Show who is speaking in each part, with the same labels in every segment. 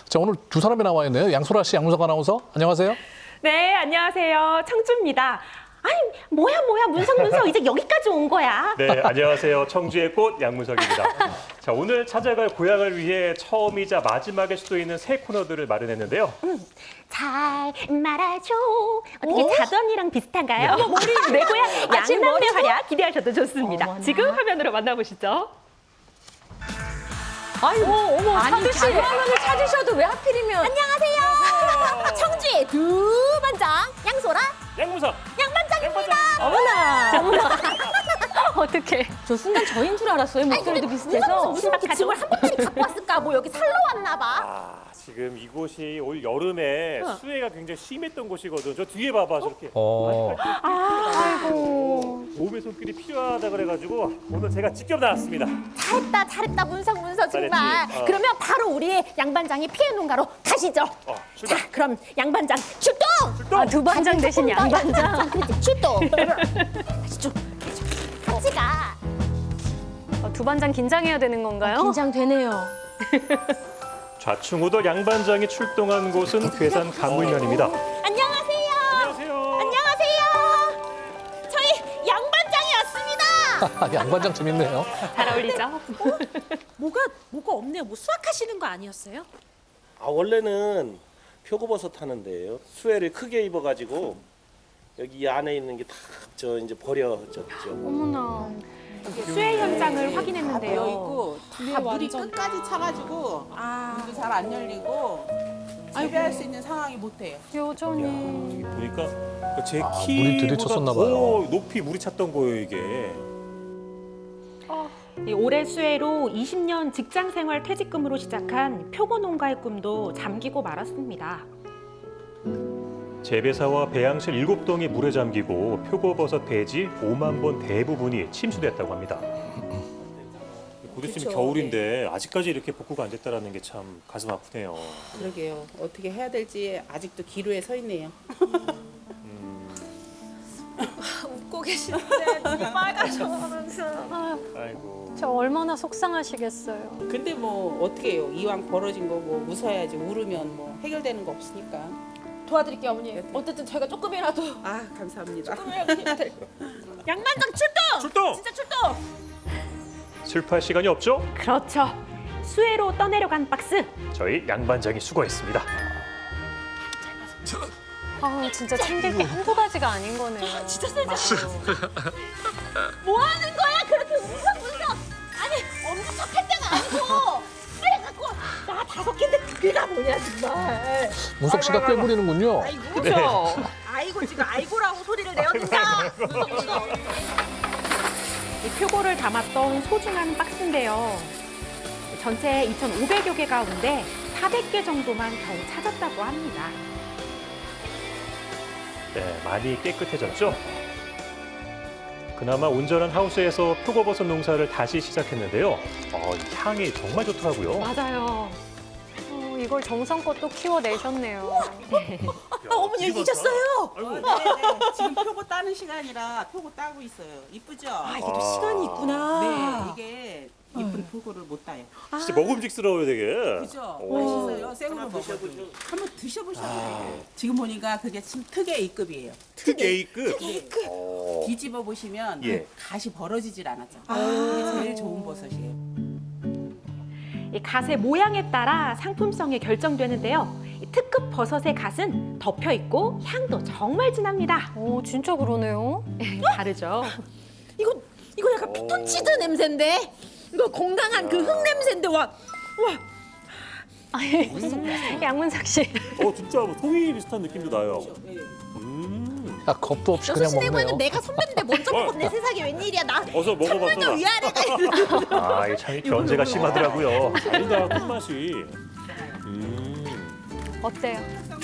Speaker 1: 자, 오늘 두 사람이 나와 있네요. 양소라 씨, 양문석 아나운서. 안녕하세요.
Speaker 2: 네, 안녕하세요. 청주입니다. 아니, 뭐야, 문석, 이제 여기까지 온 거야.
Speaker 3: 네, 안녕하세요. 청주의 꽃 양문석입니다. 자, 오늘 찾아갈 고향을 위해 처음이자 마지막일 수도 있는 새 코너들을 마련했는데요.
Speaker 2: 잘 말아줘. 어떻게 자던이랑 비슷한가요? 내 고향 양남매 활약 기대하셔도 좋습니다.
Speaker 4: 어머나.
Speaker 2: 지금 화면으로 만나보시죠.
Speaker 4: 아이고, 어머,
Speaker 5: 아니,
Speaker 4: 상주 씨.
Speaker 5: 자기
Speaker 4: 화면을 찾으셔도 왜 하필이면.
Speaker 5: 안녕하세요. 청주의 두 반장 양소라
Speaker 3: 양문석!
Speaker 5: 양반장입니다.
Speaker 4: 어머나. 어떡해. 저 순간 저인 줄 알았어요. 목소리도 비슷해서.
Speaker 5: 무슨 이렇게 짐을 한 번짜리 갖고 왔을까? 뭐 여기 살러 왔나 봐.
Speaker 3: 아, 지금 이곳이 올 여름에 수해가 굉장히 심했던 곳이거든. 저 뒤에 봐봐, 저렇게.
Speaker 2: 아이고.
Speaker 3: 도움의 손길이 필요하다 그래가지고 오늘 제가 직접 나왔습니다.
Speaker 5: 잘했다 문석 정말.
Speaker 3: 잘했지?
Speaker 5: 그러면 바로 우리 양반장이 피해 농가로 가시죠.
Speaker 3: 출발.
Speaker 5: 자, 그럼 양반장 출동.
Speaker 4: 아, 두 반장 대신 양반장.
Speaker 5: 그렇지, 출동. 가시죠. 같이 가.
Speaker 4: 두 반장 긴장해야 되는 건가요?
Speaker 5: 긴장되네요.
Speaker 3: 좌충우돌 양반장이 출동한 곳은 괴산 강물면입니다.
Speaker 5: 안녕하세요.
Speaker 3: 안녕하세요.
Speaker 5: 안녕하세요. 저희 양반장이 왔습니다.
Speaker 1: 양반장 재밌네요.
Speaker 2: 잘 어울리죠?
Speaker 5: 뭐가 없네요. 뭐 수학하시는 거 아니었어요?
Speaker 6: 아 원래는 표고버섯 하는데요. 수해를 크게 입어가지고 여기 이 안에 있는 게 다 저 이제 버려졌죠.
Speaker 4: 어머나.
Speaker 2: 수해 현장을 확인했는데요.
Speaker 7: 있고 다 물이 끝까지 차가지고 문도 잘 안 열리고 재배할 수 있는 상황이 못 돼요.
Speaker 4: 여전히.
Speaker 3: 여기 보니까 제
Speaker 1: 물이
Speaker 3: 키보다
Speaker 1: 들이쳤었나
Speaker 3: 더
Speaker 1: 봐요.
Speaker 3: 높이 물이 찼던 거예요, 이게.
Speaker 2: 이 올해 수해로 20년 직장 생활 퇴직금으로 시작한 표고 농가의 꿈도 잠기고 말았습니다.
Speaker 3: 재배사와 배양실 7동이 물에 잠기고 표고버섯 배지 5만 본 대부분이 침수됐다고 합니다. 곧 있으면 겨울인데 아직까지 이렇게 복구가 안 됐다는 게 참 가슴 아프네요.
Speaker 7: 그러게요. 어떻게 해야 될지 아직도 기로에 서 있네요.
Speaker 5: 웃고 계시는데 눈이 빨가셔면서.
Speaker 3: 아이고.
Speaker 4: 저 얼마나 속상하시겠어요.
Speaker 7: 근데 뭐 어떻게 해요. 이왕 벌어진 거 뭐 웃어야지. 울으면 뭐 해결되는 거 없으니까.
Speaker 5: 도와드릴게요, 어머니. 어쨌든 제가 조금이라도
Speaker 7: 아, 감사합니다.
Speaker 5: 양반장 출동!
Speaker 3: 출동!
Speaker 5: 진짜 출동!
Speaker 3: 슬퍼할 시간이 없죠?
Speaker 2: 그렇죠. 수해로 떠내려간 박스.
Speaker 3: 저희 양반장이 수고했습니다.
Speaker 4: 아, 진짜 챙길 게 한두 가지가 아닌 거네요.
Speaker 5: 진짜 세다. 뭐 하는 거야? 그렇게 문석. 아니, 엄지척할 때가 아니고. 빨리 갖고 와. 나 5개인데 2개가 뭐냐, 정말.
Speaker 1: 문석 씨가 꽤 부리는군요.
Speaker 2: 그렇죠.
Speaker 5: 아이고, 지금 아이고라고 소리를 내어준다. 문석.
Speaker 2: 이 표고를 담았던 소중한 박스인데요. 전체 2,500여 개 가운데 400개 정도만 겨우 찾았다고 합니다.
Speaker 3: 네, 많이 깨끗해졌죠? 그나마 온전한 하우스에서 표고버섯 농사를 다시 시작했는데요. 이 향이 정말 좋더라고요.
Speaker 4: 맞아요. 이걸 정성껏 또 키워내셨네요.
Speaker 5: 어머니 여기 계셨어요.
Speaker 7: 네. 지금 표고 따는 시간이라 표고 따고 있어요. 이쁘죠?
Speaker 5: 이게 또 시간이 있구나.
Speaker 7: 네, 이게 이쁜 표고를 못 따요.
Speaker 3: 진짜 먹음직스러워요, 되게.
Speaker 7: 그죠? 맛있어요. 생으로 먹어도. 한번 드셔보셔도 돼요. 지금 보니까 그게 참 특의 A급이에요.
Speaker 3: 특A급.
Speaker 7: 뒤집어 보시면
Speaker 3: 예.
Speaker 7: 그 갓이 벌어지질 않았죠. 이게 제일 좋은 버섯이에요.
Speaker 2: 이 갓의 모양에 따라 상품성이 결정되는데요. 이 특급 버섯의 갓은 덮여 있고 향도 정말 진합니다.
Speaker 4: 오, 진짜 그러네요.
Speaker 2: 다르죠.
Speaker 5: 이거 약간 피톤치드 냄새인데. 이거 건강한 그 흙 냄새인데 와.
Speaker 4: 양문석 씨.
Speaker 3: 진짜 뭐 송이 비슷한 느낌도 나요.
Speaker 1: 야, 겁도 없이 그냥
Speaker 5: 6시 내고에는
Speaker 1: 먹네요.
Speaker 5: 내가 선배인데 먼저 먹었네. 세상에 웬일이야. 나
Speaker 3: 어서 먹어봐,
Speaker 5: 좀
Speaker 3: 소라.
Speaker 5: 위아래가 있는.
Speaker 3: 참 견제가 심하더라고요. 아니다, 끝맛이.
Speaker 4: 어때요?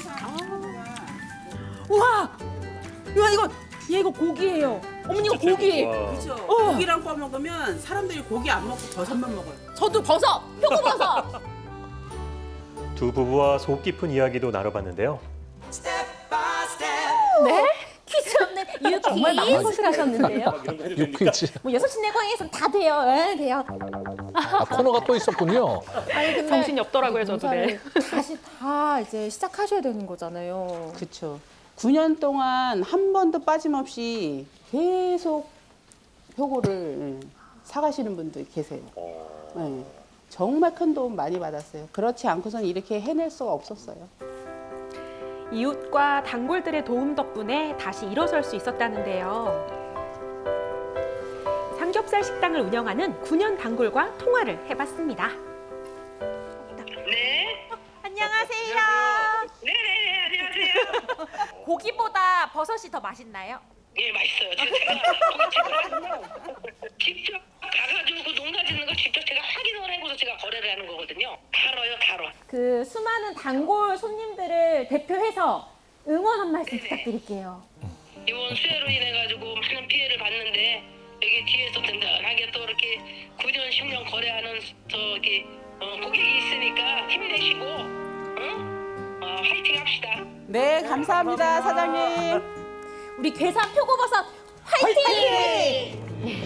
Speaker 5: 우와. 이거 고기예요. 어머니 이거 고기.
Speaker 3: 와.
Speaker 7: 그죠? 고기랑 꺼 먹으면 사람들이 고기 안 먹고 버섯만 먹어요.
Speaker 5: 저도 버섯. 표고버섯.
Speaker 3: 두 부부와 속 깊은 이야기도 나눠봤는데요.
Speaker 5: 퀴즈 없는 유쾌한
Speaker 4: 정말 많은 것을 하셨는데요.
Speaker 3: 막 이런 거 해도 됩니까?
Speaker 1: 유퀴즈.
Speaker 5: 뭐 6시 내고향에선 다 돼요. 예, 돼요.
Speaker 1: 아, 코너가 또 있었군요.
Speaker 5: 아니 근데
Speaker 2: 정신이 없더라고요, 저도. 네.
Speaker 5: 다시 다 이제 시작하셔야 되는 거잖아요.
Speaker 7: 그렇죠. 9년 동안 한 번도 빠짐없이 계속 표고를 사가시는 분들 계세요. 네. 정말 큰 도움 많이 받았어요. 그렇지 않고선 이렇게 해낼 수가 없었어요.
Speaker 2: 이웃과 단골들의 도움 덕분에 다시 일어설 수 있었다는데요. 삼겹살 식당을 운영하는 9년 단골과 통화를 해봤습니다.
Speaker 8: 네.
Speaker 5: 안녕하세요.
Speaker 8: 네네네, 안녕하세요.
Speaker 5: 고기보다 버섯이 더 맛있나요?
Speaker 8: 예, 맛있어요. 제가 직접 가가지고 그 농사 짓는 걸 직접 제가 확인을 해고서 제가 거래를 하는 거거든요. 달아요, 달아.
Speaker 5: 그 수많은 단골 손님들을 대표해서 응원 한 말씀 부탁드릴게요.
Speaker 8: 이번 수해로 인해가지고 많은 피해를 봤는데 여기 뒤에서 든든하게 또 이렇게 9년, 10년 거래하는 저기 고객이 있으니까 힘내시고, 응? 화이팅 합시다.
Speaker 7: 네, 감사합니다, 사장님.
Speaker 5: 우리 괴산 표고버섯 화이팅!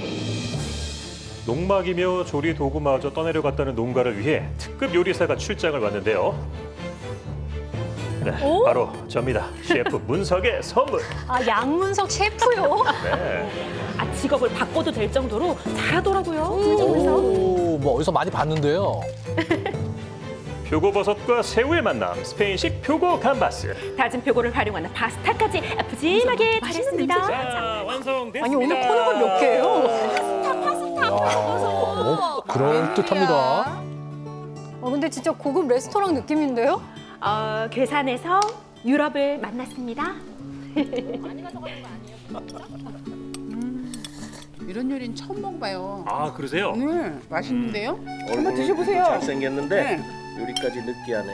Speaker 3: 농막이며 조리 도구마저 떠내려갔다는 농가를 위해 특급 요리사가 출장을 왔는데요. 네, 바로 접니다. 셰프 문석의 선물.
Speaker 4: 아, 양문석 셰프요?
Speaker 3: 네.
Speaker 2: 아, 직업을 바꿔도 될 정도로 잘하더라고요.
Speaker 1: 오, 뭐 어디서 많이 봤는데요.
Speaker 3: 표고버섯과 새우의 만남, 스페인식 표고 감바스.
Speaker 2: 다진 표고를 활용하는 파스타까지 푸짐하게 차렸습니다.
Speaker 3: 자, 완성됐습니다.
Speaker 4: 아니, 오늘 코너가 몇 개예요?
Speaker 1: 너무 그럴듯합니다.
Speaker 4: 근데 진짜 고급 레스토랑 느낌인데요?
Speaker 2: 괴산에서 유럽을 만났습니다.
Speaker 7: 이런 요리는 처음 먹어봐요.
Speaker 3: 아, 그러세요?
Speaker 7: 네, 맛있는데요?
Speaker 6: 얼굴
Speaker 7: 드셔보세요.
Speaker 6: 잘생겼는데
Speaker 7: 네.
Speaker 6: 요리까지 느끼하네.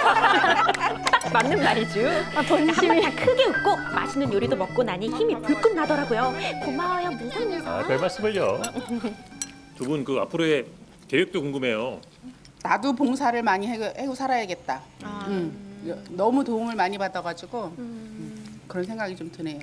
Speaker 2: 맞는 말이죠.
Speaker 4: 본심이.
Speaker 2: 다 크게 웃고 맛있는 요리도 먹고 나니 힘이 불끈 나더라고요. 고마워요, 문선문선.
Speaker 3: 아, 별 말씀을요. 두 분 그 앞으로의 계획도 궁금해요.
Speaker 7: 나도 봉사를 많이 하고 살아야겠다. 너무 도움을 많이 받아가지고 그런 생각이 좀 드네요.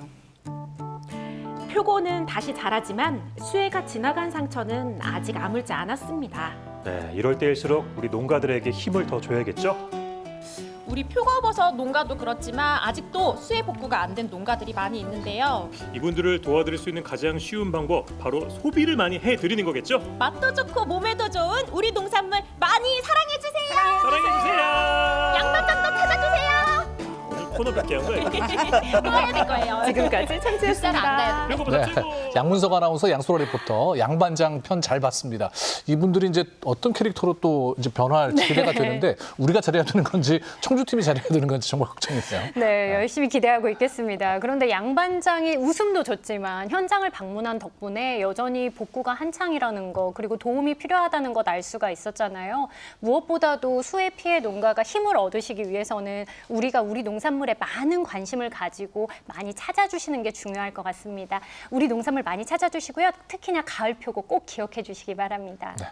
Speaker 2: 표고는 다시 자라지만 수해가 지나간 상처는 아직 아물지 않았습니다.
Speaker 3: 네, 이럴 때일수록 우리 농가들에게 힘을 더 줘야겠죠?
Speaker 9: 우리 표고버섯 농가도 그렇지만 아직도 수해 복구가 안 된 농가들이 많이 있는데요.
Speaker 3: 이분들을 도와드릴 수 있는 가장 쉬운 방법, 바로 소비를 많이 해드리는 거겠죠?
Speaker 9: 맛도 좋고 몸에도 좋은 우리 농산물 많이 사랑해주세요.
Speaker 3: 사랑해주세요.
Speaker 9: 양반장도 찾아주세요.
Speaker 3: 오늘 코너 몇개 한 거예요?
Speaker 9: 또 해야 될 거예요.
Speaker 2: 지금까지 청취했습니다.
Speaker 3: 표고버섯
Speaker 1: 네.
Speaker 3: 최고.
Speaker 1: 양문석 아나운서, 양소라 리포터, 양반장 편 잘 봤습니다. 이분들이 이제 어떤 캐릭터로 또 이제 변화할지 기대가 되는데 우리가 잘해야 되는 건지 청주팀이 잘해야 되는 건지 정말 걱정이네요.
Speaker 4: 네, 열심히 기대하고 있겠습니다. 그런데 양반장이 웃음도 줬지만 현장을 방문한 덕분에 여전히 복구가 한창이라는 거, 그리고 도움이 필요하다는 것 알 수가 있었잖아요. 무엇보다도 수해 피해 농가가 힘을 얻으시기 위해서는 우리가 우리 농산물에 많은 관심을 가지고 많이 찾아주시는 게 중요할 것 같습니다. 우리 농산물 많이 찾아주시고요. 특히나 가을 표고 꼭 기억해 주시기 바랍니다.
Speaker 1: 네.